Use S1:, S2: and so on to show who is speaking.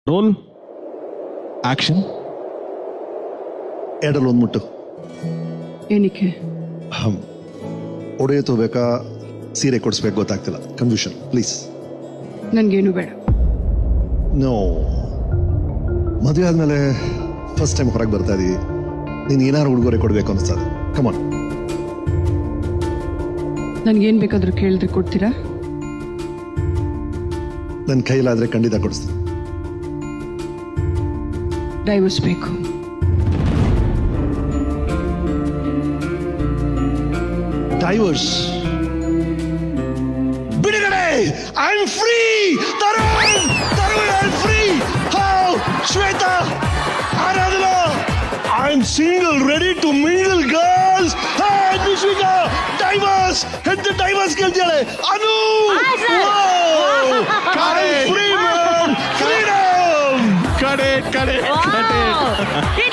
S1: Roll action.
S2: ಎರಡಲ್ಲಿ ಒಂದು ಮುಟ್ಟು.
S3: ಏನಕ್ಕೆ?
S2: ಒಡೆಯ ತಗೋಬೇಕಾ ಸೀರೆ ಕೊಡಿಸ್ಬೇಕು ಗೊತ್ತಾಗ್ತಿಲ್ಲ. ಕನ್ಫ್ಯೂಷನ್. ಪ್ಲೀಸ್.
S3: ನನ್ಗೇನು ಬೇಡ.
S2: ನೋ, ಮದುವೆ ಆದ್ಮೇಲೆ ಫಸ್ಟ್ ಟೈಮ್ ಹೊರಗೆ ಬರ್ತಾ ಇದೀವಿ. ನೀನು ಏನಾರು ಉಡುಗೊರೆ ಕೊಡಬೇಕು ಅನಿಸ್ತದೆ. ಕಮಾನ್.
S3: ನನ್ಗೇನ್ ಬೇಕಾದ್ರೂ ಕೇಳಿದ್ರೆ ಕೊಡ್ತೀರಾ?
S2: ನನ್ನ ಕೈಲಾದ್ರೆ ಖಂಡಿತ ಕೊಡಿಸ್ತೀನಿ.
S3: ಡೈವರ್ಸ್ ಬೇಕು.
S2: ಡೈವರ್ಸ್ ಬಿಡುಗಡೆ. I am free. Tarun I am free. How Shweta, Aradhana, I am single ready to mingle girls. Hey Nishvika, divorce ಹೆಂತ ಡೈವರ್ಸ್ ಕೇಳ್ತಿಯಾಳೆ. ಅನು ಫ್ರೀ ಮ್ಯಾನ್. ಫ್ರೀಡಮ್.
S1: ಕಡೆ